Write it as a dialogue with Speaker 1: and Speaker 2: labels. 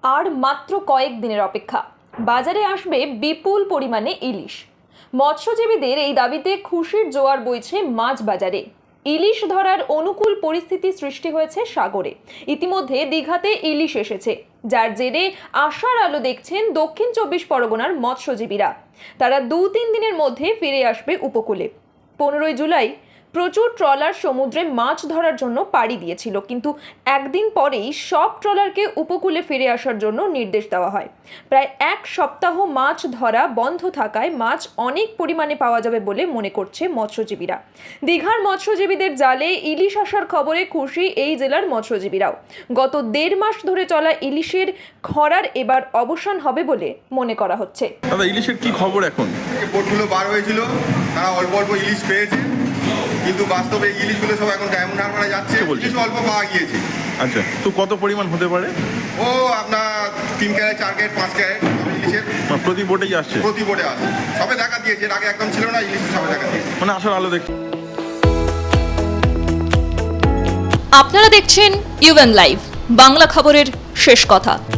Speaker 1: আর মাত্র কয়েক দিনের অপেক্ষা, বাজারে আসবে বিপুল পরিমাণে ইলিশ। মৎস্যজীবীদের এই দাবিতে খুশির জোয়ার বইছে মাছ বাজারে। ইলিশ ধরার অনুকূল পরিস্থিতি সৃষ্টি হয়েছে সাগরে। ইতিমধ্যে দীঘাতে ইলিশ এসেছে, যার জেরে আশার আলো দেখছেন দক্ষিণ 24 পরগনার মৎস্যজীবীরা। তারা 2-3 দিনের মধ্যে ফিরে আসবে উপকূলে। 15 জুলাই প্রচুর ট্রলার সমুদ্রে মাছ ধরার জন্য পাড়ি দিয়েছিল, কিন্তু একদিন পরেই সব ট্রলারকে উপকূলে ফিরে আসার জন্য নির্দেশ দেওয়া হয়। প্রায় 1 সপ্তাহ মাছ ধরা বন্ধ থাকায় মাছ অনেক পরিমাণে পাওয়া যাবে বলে মনে করছে মৎস্যজীবীরা। দীঘার মৎস্যজীবীদের জালে ইলিশ আসার খবরে খুশি এই জেলার মৎস্যজীবীরাও। গত 1.5 মাস ধরে চলা ইলিশের খরার এবার অবসান হবে বলে মনে করা হচ্ছে।
Speaker 2: দাদা, ইলিশের কি খবর এখন?
Speaker 3: বোটগুলো বার হয়েছিল, তারা অল্প অল্প ইলিশ পেয়েছে, কিন্তু বাস্তবে এই ইলিশগুলো সব এখন ডায়মন্ড হারবারে যাচ্ছে, কিছু অল্প পাওয়া গিয়েছে।
Speaker 2: আচ্ছা, তো কত পরিমাণ হতে পারে?
Speaker 3: ও আপনার 3 ক্যারেট 4 ক্যারেট 5 ক্যারেট ইলিশের
Speaker 2: প্রতি বোটেই আসছে?
Speaker 3: প্রতি বোটে আসে, সবে দেখা দিয়েছে। এর আগে একদম ছিল না, ইলিশ সবে দেখা দিয়েছে,
Speaker 2: মানে আসার আলো দেখ।
Speaker 1: আপনারা দেখছেন ইউএন লাইভ, বাংলা খবরের শেষ কথা।